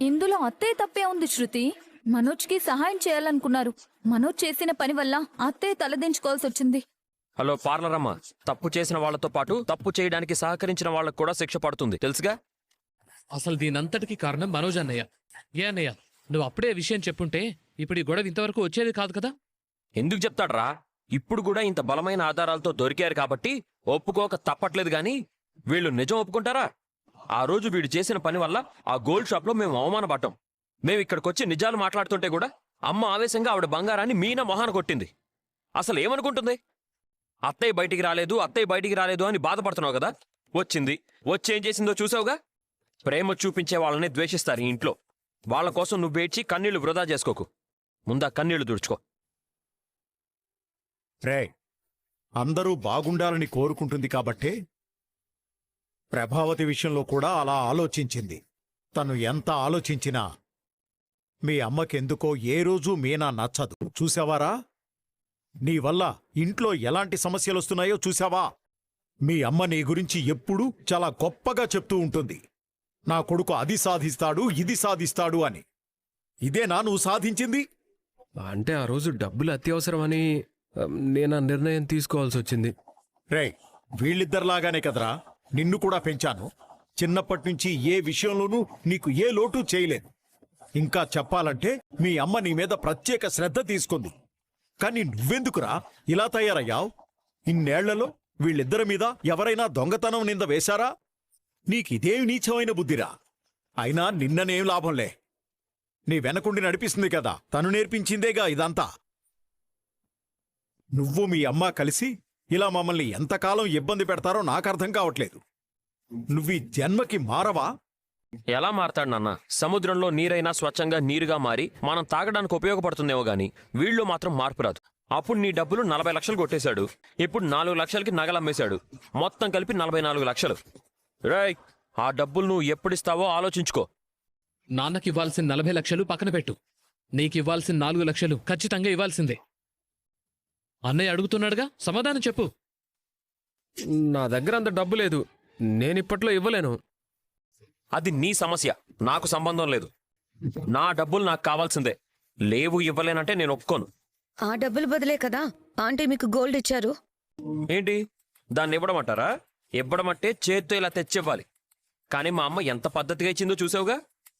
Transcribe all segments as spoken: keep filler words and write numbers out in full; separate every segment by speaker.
Speaker 1: ఇందులో అత్తయ్య తప్పే ఉంది శృతి. మనోజ్కి సహాయం చేయాలనుకున్నారు. మనోజ్ చేసిన పని వల్ల అత్తయ్య తలదించుకోవాల్సి వచ్చింది.
Speaker 2: హలో పార్లర్ అమ్మ, తప్పు చేసిన వాళ్లతో పాటు తప్పు చేయడానికి సహకరించిన వాళ్లకు కూడా శిక్ష పడుతుంది, తెలుసుగా?
Speaker 3: అసలు దీనంతటికి కారణం మనోజ్ అన్నయ్య. ఏ అన్నయ్య, నువ్వు అప్పుడే విషయం చెప్పుంటే ఇప్పుడు ఈ గొడవ ఇంతవరకు వచ్చేది కాదు కదా.
Speaker 2: ఎందుకు చెప్తాడ్రా? ఇప్పుడు కూడా ఇంత బలమైన ఆధారాలతో దొరికారు కాబట్టి ఒప్పుకోక తప్పట్లేదు గాని వీళ్ళు నిజం ఒప్పుకుంటారా? ఆ రోజు వీడు చేసిన పని వల్ల ఆ గోల్డ్ షాప్ లో మేము అవమానపడ్డాం. మేము ఇక్కడికొచ్చి నిజాలు మాట్లాడుతుంటే కూడా అమ్మ ఆవేశంగా ఆవిడ బంగారాన్ని మీనా మొహాన కొట్టింది. అసలు ఏమనుకుంటుంది? అత్తయ్య బయటికి రాలేదు అత్తయ్య బయటికి రాలేదు అని బాధపడుతున్నావు కదా. వచ్చింది, వచ్చేం చేసిందో చూసావుగా. ప్రేమ చూపించే వాళ్ళని ద్వేషిస్తారు ఈ ఇంట్లో. వాళ్ల కోసం నువ్వేడ్చి కన్నీళ్లు వృధా చేసుకోకు. ముందా కన్నీళ్లు తుడుచుకో.
Speaker 4: రే, అందరూ బాగుండాలని కోరుకుంటుంది కాబట్టే ప్రభావతి విషయంలో కూడా అలా ఆలోచించింది. తను ఎంత ఆలోచించినా మీ అమ్మకెందుకో ఏ రోజూ మీనా నచ్చదు. చూసావారా? నీ వల్ల ఇంట్లో ఎలాంటి సమస్యలొస్తున్నాయో చూసావా? మీ అమ్మ నీ గురించి ఎప్పుడూ చాలా గొప్పగా చెప్తూ ఉంటుంది. నా కొడుకు అది సాధిస్తాడు ఇది సాధిస్తాడు అని. ఇదేనా నువ్వు సాధించింది?
Speaker 5: అంటే ఆ రోజు డబ్బులు అత్యవసరమని నేను ఆ నిర్ణయం తీసుకోవాల్సి వచ్చింది.
Speaker 4: రే, వీళ్ళిద్దరిలాగానే కదరా నిన్ను కూడా పెంచాను. చిన్నప్పటినుంచి ఏ విషయంలోనూ నీకు ఏ లోటు చేయలేదు. ఇంకా చెప్పాలంటే మీ అమ్మ నీ మీద ప్రత్యేక శ్రద్ధ తీసుకుంది. కానీ నువ్వెందుకురా ఇలా తయారయ్యావు? ఇన్నేళ్లలో వీళ్ళిద్దరి మీద ఎవరైనా దొంగతనం నింద వేశారా? నీకిదేం నీచమైన బుద్ధిరా. అయినా నిన్ననేం లాభంలే. నీ వెనకుండి నడిపిస్తుంది కదా, తను నేర్పించిందేగా ఇదంతా. నువ్వు మీ అమ్మ కలిసి ఇలా మమ్మల్ని ఎంతకాలం ఇబ్బంది పెడతారో నాకర్థం కావట్లేదు. నువ్వీ జన్మకి మారవా?
Speaker 2: ఎలా మారతాడు నాన్న? సముద్రంలో నీరైనా స్వచ్ఛంగా నీరుగా మారి మనం తాగడానికి ఉపయోగపడుతుందేమో గాని వీళ్ళు మాత్రం మార్పు రాదు. అప్పుడు నీ డబ్బులు నలభై లక్షలు కొట్టేశాడు, ఇప్పుడు నాలుగు లక్షలకి నగలమ్మేశాడు. మొత్తం కలిపి నలభై నాలుగు లక్షలు. రేయ్, ఆ డబ్బులు నువ్వు ఎప్పుడిస్తావో ఆలోచించుకో.
Speaker 3: నాన్నకివ్వాల్సిన నలభై లక్షలు పక్కన పెట్టు. నీకివ్వాల్సిన నాలుగు లక్షలు ఖచ్చితంగా ఇవ్వాల్సిందే. అన్నయ్య అడుగుతున్నాడుగా, సమాధానం చెప్పు.
Speaker 5: నా దగ్గర అంత డబ్బు లేదు, నేనిప్పట్లో ఇవ్వలేను.
Speaker 2: అది నీ సమస్య, నాకు సంబంధం లేదు. నా డబ్బులు నాకు కావాల్సిందే. లేవు ఇవ్వలేనంటే నేను ఒప్పుకోను.
Speaker 6: ఆ డబ్బులు బదులే కదా ఆంటీ మీకు గోల్డ్ ఇచ్చారు.
Speaker 2: ఏంటి దాన్ని ఇవ్వడమంటారా? ఇవ్వడమంటే చేత్తో ఇలా తెచ్చివ్వాలి. కానీ మా అమ్మ ఎంత పద్ధతిగా ఇచ్చిందో చూసావుగా.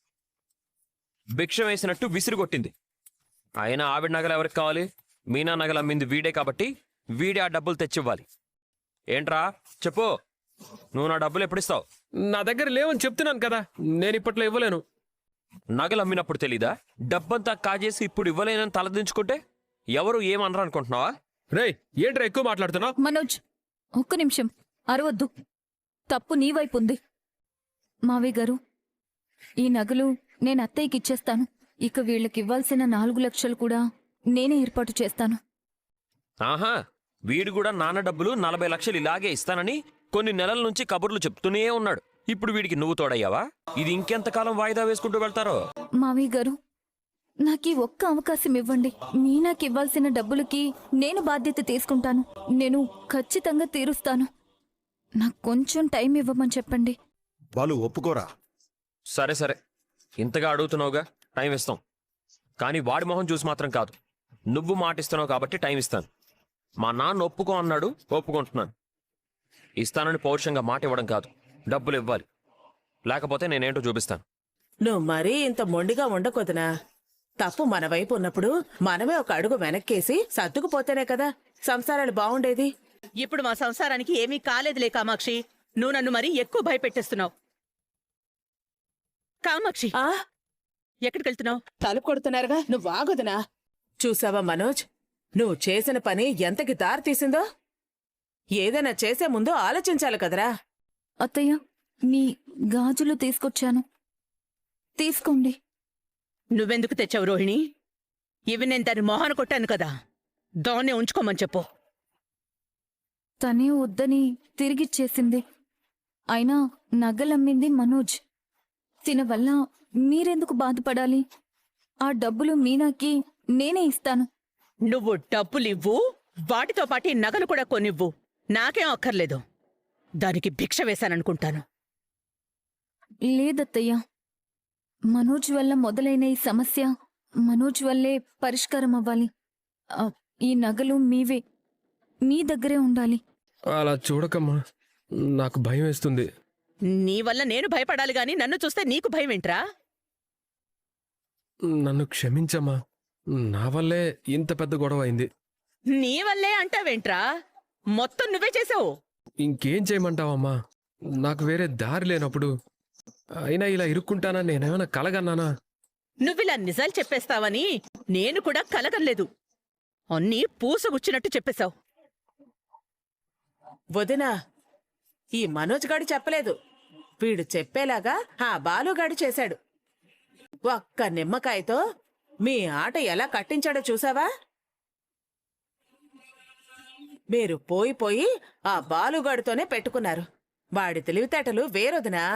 Speaker 2: భిక్షం వేసినట్టు విసిరి కొట్టింది. అయినా ఆవిడ నగలు ఎవరికి కావాలి? మీనా నగలు అమ్మింది వీడే కాబట్టి వీడే ఆ డబ్బులు తెచ్చివ్వాలి. ఏంట్రా చెప్పు, నువ్వు నా డబ్బులు ఎప్పుడిస్తావు?
Speaker 5: నా దగ్గర లేవని చెప్తున్నాను కదా, నేను ఇప్పట్లో ఇవ్వలేను.
Speaker 2: నగలు అమ్మినప్పుడు తెలీదా? డబ్బంతా కాజేసి ఇప్పుడు ఇవ్వలేనని తలదించుకుంటే ఎవరు ఏమనరు అనుకుంటున్నావా?
Speaker 5: రేయ్, ఏంట్రా ఎక్కువ మాట్లాడుతున్నావు?
Speaker 1: మనోజ్, ఒక్క నిమిషం అరవద్దు. తప్పు నీ వైపు ఉంది. మావయ్య గారు, ఈ నగలు నేను అత్తయ్యకి ఇచ్చేస్తాను. ఇక వీళ్ళకివ్వాల్సిన నాలుగు లక్షలు కూడా నేనే ఏర్పాటు చేస్తాను.
Speaker 2: ఆహా, వీడు కూడా నాన్న డబ్బులు నలభై లక్షలు ఇలాగే ఇస్తానని కొన్ని నెలల నుంచి కబుర్లు చెప్తూనే ఉన్నాడు. ఇప్పుడు వీడికి నువ్వు తోడయ్యావా? ఇది ఇంకెంతకాలం వాయిదా వేసుకుంటూ వెళ్తారో?
Speaker 1: మావయ్య గారు, నాకీ ఒక్క అవకాశం ఇవ్వండి. మీనాకివ్వాల్సిన డబ్బులకి నేను బాధ్యత తీసుకుంటాను. నేను ఖచ్చితంగా తీరుస్తాను. నాకు కొంచెం టైం ఇవ్వమని చెప్పండి.
Speaker 4: వాళ్ళు ఒప్పుకోరా?
Speaker 2: సరే సరే, ఇంతగా అడుగుతున్నావుగా, టైం ఇస్తాం. కానీ వాడి మొహం చూసి మాత్రం కాదు. నువ్వు మాటిస్తున్నావు కాబట్టి టైం ఇస్తాను. మా నాన్న ఒప్పుకో అన్నాడు, ఒప్పుకుంటున్నాను. ఇస్తానని పౌరుషంగా మాట ఇవ్వడం కాదు, డబ్బులు ఇవ్వాలి. లేకపోతే నేనేంటో చూపిస్తాను.
Speaker 7: నువ్వు మరీ ఇంత మొండిగా ఉండకొదనా? తప్పు మన వైపు ఉన్నప్పుడు మనమే ఒక అడుగు వెనక్కేసి సర్దుకుపోతేనే కదా సంసారాలు బాగుండేది.
Speaker 8: ఇప్పుడు మా సంసారానికి ఏమీ కాలేదులే కామాక్షి. నువ్వు నన్ను మరీ ఎక్కువ భయపెట్టేస్తున్నావు. కామాక్షి,
Speaker 7: ఆ
Speaker 8: ఎక్కడికెళ్తున్నావు?
Speaker 7: తలుపు కొడుతున్నారుగా, నువ్వు ఆగొదనా? చూసావా మనోజ్, నువ్వు చేసిన పని ఎంతకి దారి తీసిందో? ఏదైనా చేసే ముందు ఆలోచించాలి కదరా.
Speaker 1: అత్తయ్య, మీ గాజులు తీసుకొచ్చాను, తీసుకోండి.
Speaker 8: నువ్వెందుకు తెచ్చావు రోహిణి? ఇవి నేను దాన్ని మొహాన కొట్టాను కదా, దాన్నే ఉంచుకోమని చెప్పు.
Speaker 1: తనే వద్దని తిరిగిచ్చేసింది. అయినా నగలమ్మింది మనోజ్. తిన వల్ల మీరెందుకు బాధపడాలి? ఆ డబ్బులు మీనాకి నేనే ఇస్తాను.
Speaker 8: నువ్వు డబ్బులివ్వు, వాటితో పాటు ఈ నగలు కూడా కొనివ్వు. నాకేం అక్కర్లేదు. దానికి భిక్ష వేశాననుకుంటాను.
Speaker 1: లేదత్తయ్యా, మనోజ్ వల్ల మొదలైన ఈ సమస్య మనోజ్ వల్లే పరిష్కారం అవ్వాలి. ఆ, ఈ నగలు మీవే, మీ దగ్గరే ఉండాలి.
Speaker 5: అలా చూడకమ్మా, నాకు భయం వేస్తుంది.
Speaker 8: నీ వల్ల నేను భయపడాలి గాని నన్ను చూస్తే నీకు భయం ఏంట్రా?
Speaker 5: నన్ను క్షమించమ్మా, నా వల్లే ఇంత పెద్ద గొడవ అయింది.
Speaker 8: నీ వల్లే అంటావేంట్రా? మొత్తం నువ్వే చేసావు.
Speaker 5: ఇంకేం చేయమంటావమ్మా, నాకు వేరే దారి లేనప్పుడు. అయినా ఇలా ఇరుక్కుంటానని నేనేమైనా కలగన్నానా?
Speaker 8: నువ్విలా నిజాలు చెప్పేస్తావని నేను కూడా కలగలేదు. అన్నీ పూసగుచ్చినట్టు చెప్పేశావు.
Speaker 7: వదినా, ఈ మనోజ్ గాడు చెప్పలేదు, వీడు చెప్పేలాగా ఆ బాలుగాడు చేశాడు. ఒక్క నిమ్మకాయతో మీ ఆట ఎలా కట్టించాడో చూసావా? మీరు పోయి పోయి ఆ బాలుగాడితోనే పెట్టుకున్నారు. వాడి తెలివితేటలు వేరొదినా.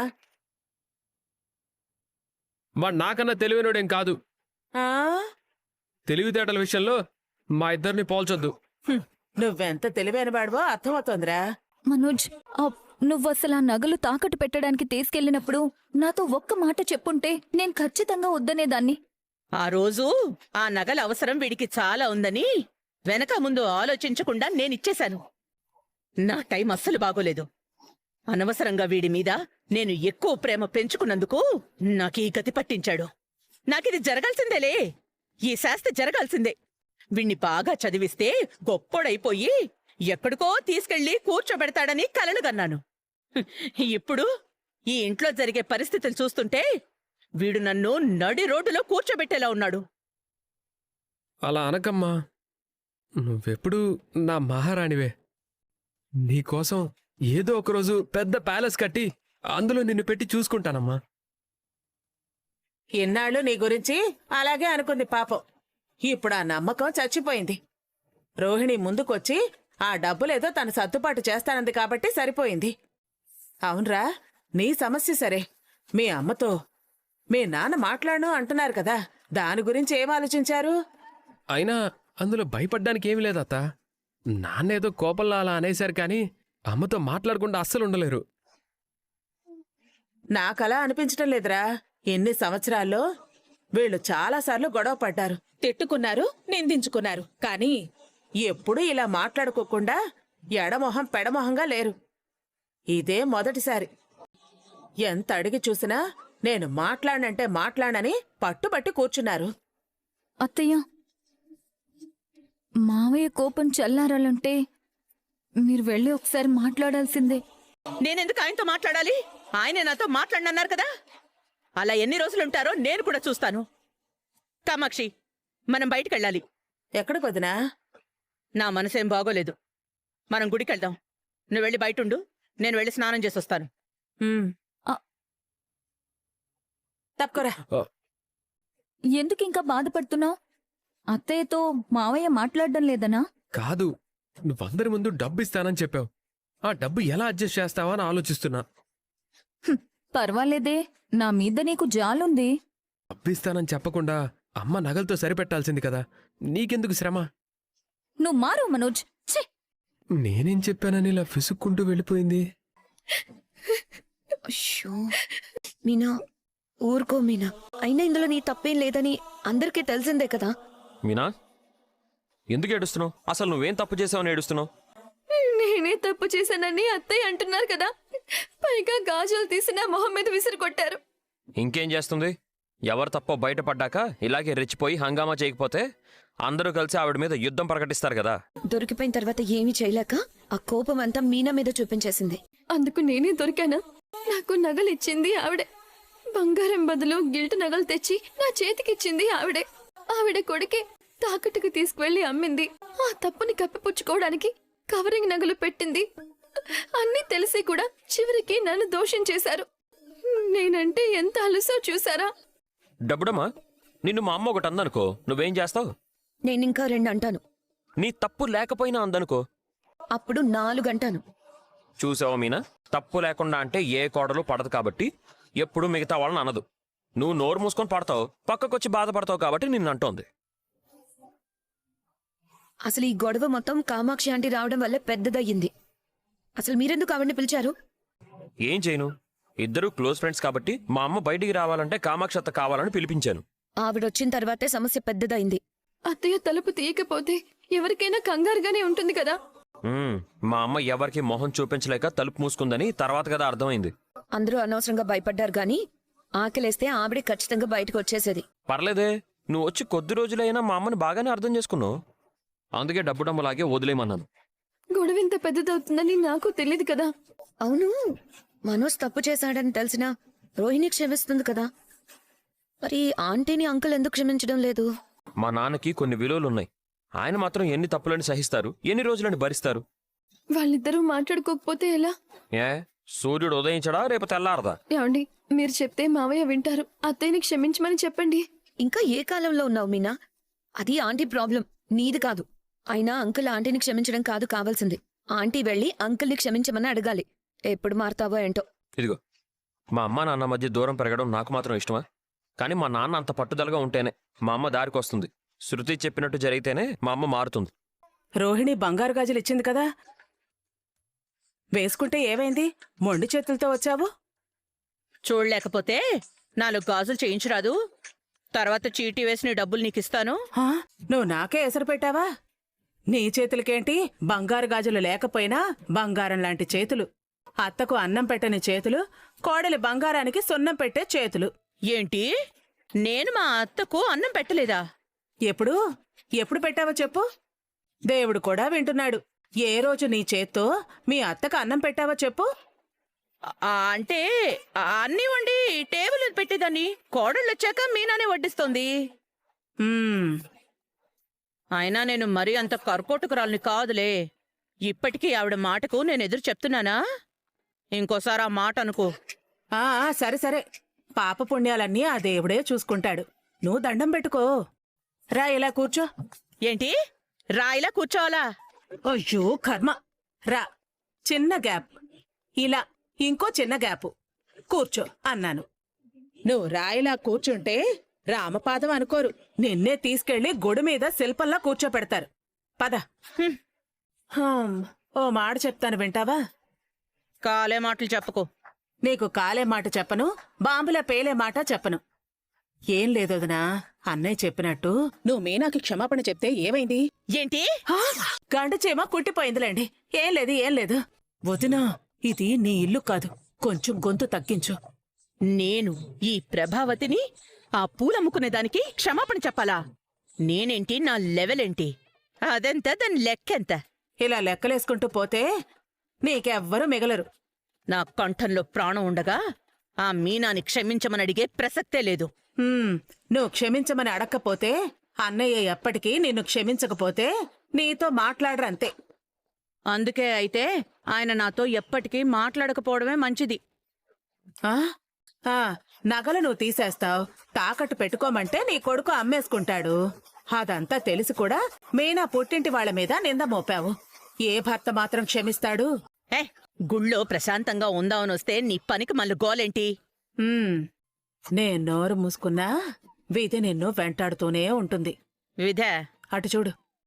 Speaker 5: వాడు నాకన్నా తెలివైనోడేం కాదు.
Speaker 7: ఆ?
Speaker 5: తెలివితేటల విషయంలో మా ఇద్దరిని పోల్చొద్దు.
Speaker 7: హ్మ్, నువ్వెంత తెలివైనవాడివో అర్థమవుతోందిరా.
Speaker 1: మనోజ్, ఆ, నువ్వసలు ఆ నగలు తాకట్టు పెట్టడానికి తీసుకెళ్ళినప్పుడు నాతో ఒక్క మాట చెప్పుంటే నేను ఖచ్చితంగా వద్దనేదాన్ని.
Speaker 8: ఆ రోజు ఆ నగల అవసరం వీడికి చాలా ఉందని వెనక ముందు ఆలోచించకుండా నేనిచ్చేశాను. నా టైం అస్సలు బాగోలేదు. అనవసరంగా వీడి మీద నేను ఎక్కువ ప్రేమ పెంచుకున్నందుకు నాకీ గతి పట్టించాడు. నాకిది జరగాల్సిందేలే, ఈ శాస్తి జరగాల్సిందే. వీణ్ణి బాగా చదివిస్తే గొప్పోడైపోయి ఎక్కడికో తీసుకెళ్లి కూర్చోబెడతాడని కలలుగన్నాను. హ్మ్, ఇప్పుడు ఈ ఇంట్లో జరిగే పరిస్థితులు చూస్తుంటే వీడు నన్ను నడి రోడ్డులో కూర్చోబెట్టేలా ఉన్నాడు.
Speaker 5: అలా అనకమ్మా, నువ్వెప్పుడు నా మహారాణివే. నీకోసం ఏదో ఒకరోజు పెద్ద ప్యాలెస్ కట్టి అందులో నిన్ను పెట్టి చూసుకుంటానమ్మా.
Speaker 7: ఇన్నాళ్ళు నీ గురించి అలాగే అనుకుంది పాపం. ఇప్పుడు ఆ నమ్మకం చచ్చిపోయింది. రోహిణి ముందుకొచ్చి ఆ డబ్బులేదో తను సర్దుబాటు చేస్తానంది కాబట్టి సరిపోయింది. అవునరా, నీ సమస్య సరే, మీ అమ్మతో మీ నాన్న మాట్లాడను అంటున్నారు కదా, దాని గురించి ఏం ఆలోచించారు?
Speaker 5: అయినా అందులో భయపడ్డానికి ఏమీ లేదత్త. నాన్నేదో కోపంలో అలా అనేశారు కానీ అమ్మతో మాట్లాడకుండా అస్సలు ఉండలేరు.
Speaker 7: నాకలా అనిపించటం లేదురా. ఎన్ని సంవత్సరాల్లో వీళ్ళు చాలాసార్లు గొడవ పడ్డారు, తిట్టుకున్నారు, నిందించుకున్నారు, కానీ ఎప్పుడూ ఇలా మాట్లాడుకోకుండా ఎడమొహం పెడమొహంగా లేరు. ఇదే మొదటిసారి. ఎంత అడిగి చూసినా నేను మాట్లాడనంటే మాట్లాడనని పట్టుబట్టి కూర్చున్నారు.
Speaker 1: అత్తయ్య, మావయ్య కోపం చల్లారాలంటే మీరు వెళ్ళి ఒకసారి మాట్లాడాల్సిందే.
Speaker 8: నేనెందుకు ఆయనతో మాట్లాడాలి? ఆయనే నాతో మాట్లాడనన్నారు కదా. అలా ఎన్ని రోజులుంటారో నేను కూడా చూస్తాను. కామాక్షి, మనం బయటికెళ్ళాలి.
Speaker 7: ఎక్కడికి వదినా?
Speaker 8: నా మనసేం బాగోలేదు. మనం గుడికెళ్దాం. నువ్వు వెళ్ళి బయటుండు, నేను వెళ్ళి స్నానం చేసొస్తాను.
Speaker 7: ఉమ్.
Speaker 1: ఆ.
Speaker 7: తప్పుకోరా.
Speaker 1: ఎందుకు ఇంకా బాధపడుతున్నావు? అత్తయ్యతో మావయ్య మాట్లాడడం లేదనా?
Speaker 5: కాదు, నువ్వందరి ముందు డబ్బు ఇస్తానని చెప్పావు. ఆ డబ్బు ఎలా అడ్జస్ట్ చేస్తావా అని ఆలోచిస్తున్నా.
Speaker 1: హ్మ్, పర్వాలేదే, నా మీద నీకు జాలుంది.
Speaker 5: డబ్బు ఇస్తానని చెప్పకుండా అమ్మ నగలతో సరిపెట్టాల్సింది కదా, నీకెందుకు శ్రమ?
Speaker 1: నువ్వు మారు మనోజ్. ఛీ!
Speaker 5: నేనేం చెప్పానని ఇలా ఫిసుక్కుంటూ వెళ్ళిపోయింది.
Speaker 6: అయ్యో మీనా, ఊరుకో మీనా. అయినా ఇందులో నీ తప్పేం లేదని అందరికీ తెలిసిందే కదా.
Speaker 2: మీనా, ఎందుకు ఏడుస్తున్నావు? అసలు నువ్వేం తప్పు చేసావని ఏడుస్తున్నావు?
Speaker 1: నేనే తప్పు చేశానని అత్తయ్య అంటున్నారు కదా, పైగా గాజులు తీసి నా మొహం మీద విసిరి కొట్టారు.
Speaker 2: ఇంకేం చేస్తుంది? ఎవరు తప్పో బయటపడ్డాక ఇలాగే రెచ్చిపోయి హంగామా చేయకపోతే అందరూ కలిసి ఆవిడ మీద యుద్ధం ప్రకటిస్తారు కదా.
Speaker 6: దొరికిపోయిన తర్వాత ఏమీ చేయలేక ఆ కోపం అంతా మీనా మీద చూపించేసింది.
Speaker 1: అందుకు నేనే దొరికానా? నాకు నగలు ఇచ్చింది ఆవిడే. బంగారం బదులు గిల్ట్ నగలు తెచ్చి నా చేతికిచ్చింది ఆవిడే. ఆవిడ కొడుకే తాకట్టుకు తీసుకువెళ్లి అమ్మింది. ఆ తప్పుని కప్పిపుచ్చుకోవడానికి కవరింగ్ నగలు పెట్టింది. అన్నీ తెలిసి కూడా చివరికి నన్ను దోషం చేశారు. నేనంటే ఎంత అలుసో చూసారా?
Speaker 2: డబ్బుడమ్మా, నిన్ను మా అమ్మ ఒకటి అందనుకో, నువ్వేం చేస్తావు?
Speaker 6: నేనింకా రెండు అంటాను,
Speaker 2: నీ తప్పు లేకపోయినా అందనుకో,
Speaker 6: అప్పుడు నాలుగు అంటాను.
Speaker 2: చూసావా మీనా, తప్పు లేకుండా అంటే ఏ కోడలు పడదు కాబట్టి ఎప్పుడు మిగతా వాళ్ళని అనదు. నువ్వు నోరు మూసుకొని పడతావు, పక్కకొచ్చి బాధపడతావు కాబట్టి నిన్ను అంటోంది.
Speaker 6: అసలు ఈ గొడవ మొత్తం కామాక్షి ఆంటీ రావడం వల్ల పెద్దదయ్యింది. అసలు మీరెందుకు ఆవిడ్ని పిలిచారు?
Speaker 2: ఏం చేయను? ఇద్దరు క్లోజ్ ఫ్రెండ్స్ కాబట్టి మా అమ్మ బయటికి రావాలంటే కామాక్షత్త కావాలని పిలిపించాను.
Speaker 6: ఆవిడొచ్చిన తర్వాతే సమస్య పెద్దదైంది.
Speaker 1: అత్తయ్య తలుపు తీయకపోతే ఎవరికైనా కంగారుగానే ఉంటుంది కదా.
Speaker 2: ఉమ్, మా అమ్మ ఎవరికి మొహం చూపించలేక తలుపు మూసుకుందని తర్వాత కదా అర్థమైంది.
Speaker 6: అందరూ అనవసరంగా భయపడ్డారు గాని ఆకలేస్తే ఆవిడే ఖచ్చితంగా బయటకు వచ్చేసేది.
Speaker 2: పర్లేదే, నువ్వు వచ్చి కొద్ది రోజులైనా మా అమ్మని బాగానే అర్థం చేసుకున్నావు. అందుకే డబ్బు డబ్బులాగే వదిలేయమన్నాను.
Speaker 1: గొడవ ఇంత పెద్దదవుతుందని నాకు తెలియదు కదా.
Speaker 6: అవును, మనోజ్ తప్పు చేశాడని తెలిసినా రోహిణి క్షమిస్తుంది కదా. మరి ఆంటీని అంకుల్ ఎందుకు క్షమించడం లేదు?
Speaker 2: మా నాన్నకి కొన్ని విలువలున్నాయి. ఆయన మాత్రం ఎన్ని తప్పులని సహిస్తారు, ఎన్ని రోజులని భరిస్తారు.
Speaker 1: వాళ్ళిద్దరూ మాట్లాడుకోకపోతే ఎలా?
Speaker 2: ఏ సూర్యుడు ఉదయించడా రేపు తెల్లారదా?
Speaker 1: ఏమండి, మీరు చెప్తే మావయ్య వింటారు. అత్తయ్యని క్షమించమని చెప్పండి.
Speaker 6: ఇంకా ఏ కాలంలో ఉన్నావు మీనా? అది ఆంటీ ప్రాబ్లం, నీది కాదు. అయినా అంకుల్ ఆంటీని క్షమించడం కాదు కావాల్సింది. ఆంటీ వెళ్ళి అంకుల్ని క్షమించమని అడగాలి. ఎప్పుడు మారుతావో ఏంటో.
Speaker 2: ఇదిగో, మా అమ్మ నాన్న మధ్య దూరం పెరగడం నాకు మాత్రం ఇష్టమా? కానీ మా నాన్న అంత పట్టుదలగా ఉంటేనే మా అమ్మ దారికి వస్తుంది. శృతి చెప్పినట్టు జరిగితేనే మా అమ్మ మారుతుంది.
Speaker 7: రోహిణి బంగారు గాజులు ఇచ్చింది కదా, వేసుకుంటే ఏమైంది? మొండి చేతులతో వచ్చావు.
Speaker 8: చూడలేకపోతే నాలుగు గాజులు చేయించరాదు? తర్వాత చీటీ వేసిన డబ్బులు నీకిస్తాను.
Speaker 7: హా? నువ్వు నాకే ఎసరు పెట్టావా? నీ చేతులకేంటి బంగారు గాజులు లేకపోయినా బంగారం లాంటి చేతులు. అత్తకు అన్నం పెట్టని చేతులు, కోడలి బంగారానికి సున్నం పెట్టే చేతులు.
Speaker 8: ఏంటి, నేను మా అత్తకు అన్నం పెట్టలేదా?
Speaker 7: ఎప్పుడు ఎప్పుడు పెట్టావో చెప్పు. దేవుడు కూడా వింటున్నాడు. ఏ రోజు నీ చేత్తో మీ అత్తకు అన్నం పెట్టావో చెప్పు.
Speaker 8: ఆ, అంటే ఆ, అన్నీ వండి టేబుల్ మీద పెట్టేదాన్ని. కోడళ్ళు వచ్చాక మీనానే వడ్డిస్తోంది.
Speaker 7: మ్మ్.
Speaker 8: అయినా నేను మరీ అంత కర్కోటకురాల్ని కాదులే. ఇప్పటికీ ఆవిడ మాటకు నేను ఎదురు చెప్తున్నానా? ఇంకోసారి ఆ మాట అనుకో.
Speaker 7: ఆ ఆ, సరే సరే, పాప పుణ్యాలన్నీ ఆ దేవుడే చూసుకుంటాడు. నువ్వు దండం పెట్టుకో. రా, ఇలా కూర్చో.
Speaker 8: ఏంటి, రాయిలా కూర్చోవాలా?
Speaker 7: అయ్యో కర్మ. రా, చిన్న గ్యాప్. ఇలా ఇంకో చిన్న గ్యాపు. కూర్చో అన్నాను. నువ్వు రాయిలా కూర్చుంటే రామపాదం అనుకోరు, నిన్నే తీసుకెళ్లి గుడి మీద శిల్పంలా కూర్చోపెడతారు. పద.
Speaker 8: హ్మ్.
Speaker 7: హం, ఓ మాట చెప్తాను, వింటావా?
Speaker 8: కాలే మాటలు చెప్పుకో.
Speaker 7: నీకు కాలే మాట చెప్పను, బాంబుల పేలే మాట చెప్పను. ఏం లేదొదనా, అన్నయ్య చెప్పినట్టు నువ్వు మీనాకి క్షమాపణ చెప్తే ఏమైంది?
Speaker 8: ఏంటి,
Speaker 7: హా? గంట చీమ కుట్టిపోయిందిలేండి. ఏం లేదు ఏం లేదు. వదినా, ఇది నీ ఇల్లు కాదు, కొంచెం గొంతు తగ్గించు.
Speaker 8: నేను ఈ ప్రభావతిని ఆ పూలమ్ముకునేదానికి క్షమాపణ చెప్పాలా? నేనేంటి, నా లెవెలేంటి, అదెంత, దాని లెక్కెంత?
Speaker 7: ఇలా లెక్కలేసుకుంటూ పోతే నీకెవ్వరూ మిగలరు.
Speaker 8: నా కంఠంలో ప్రాణం ఉండగా ఆ మీనాని క్షమించమని అడిగే ప్రసక్తే లేదు.
Speaker 7: హ్మ్, నువ్వు క్షమించమని అడక్కపోతే అన్నయ్య ఎప్పటికీ నిన్ను క్షమించకపోతే నీతో మాట్లాడరంతే.
Speaker 8: అందుకే అయితే ఆయన నాతో ఎప్పటికీ మాట్లాడకపోవడమే మంచిది.
Speaker 7: ఆ? ఆ, నగలు నువ్వు తీసేస్తావు, తాకట్టు పెట్టుకోమంటే నీ కొడుకు అమ్మేసుకుంటాడు. అదంతా తెలిసి కూడా మీనా పుట్టింటి వాళ్ల మీద నింద మోపావు. ఏ భర్త మాత్రం క్షమిస్తాడు?
Speaker 8: ఏ, గుళ్ళో ప్రశాంతంగా ఉందామనొస్తే నీ పనికి మళ్ళీ గోలేంటి?
Speaker 7: హ్మ్, నే నోరు మూసుకున్నా వీధి నిన్ను వెంటాడుతూనే ఉంటుంది.
Speaker 8: విధే,
Speaker 7: అటు చూడు.